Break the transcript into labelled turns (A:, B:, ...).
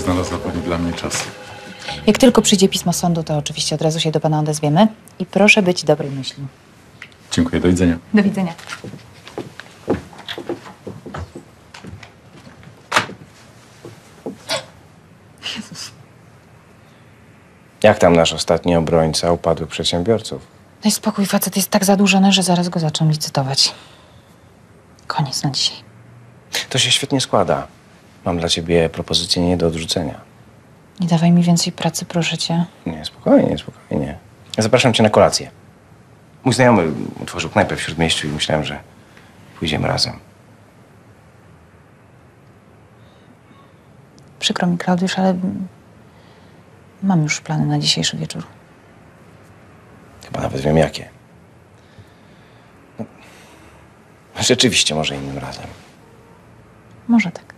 A: znalazła pani dla mnie czas.
B: Jak tylko przyjdzie pismo sądu, to oczywiście od razu się do pana odezwiemy. I proszę być dobrej myśli.
A: Dziękuję, do widzenia.
B: Do widzenia.
C: Jak tam nasz ostatni obrońca upadłych przedsiębiorców?
B: Daj spokój, facet jest tak zadłużony, że zaraz go zaczną licytować. Koniec na dzisiaj.
C: To się świetnie składa. Mam dla ciebie propozycję nie do odrzucenia.
B: Nie dawaj mi więcej pracy, proszę cię.
C: Nie, spokojnie, spokojnie. Zapraszam cię na kolację. Mój znajomy otworzył knajpę w Śródmieściu i myślałem, że pójdziemy razem.
B: Przykro mi, Klaudiusz, ale mam już plany na dzisiejszy wieczór.
C: Chyba nawet wiem jakie. No, rzeczywiście, może innym razem.
B: Może tak.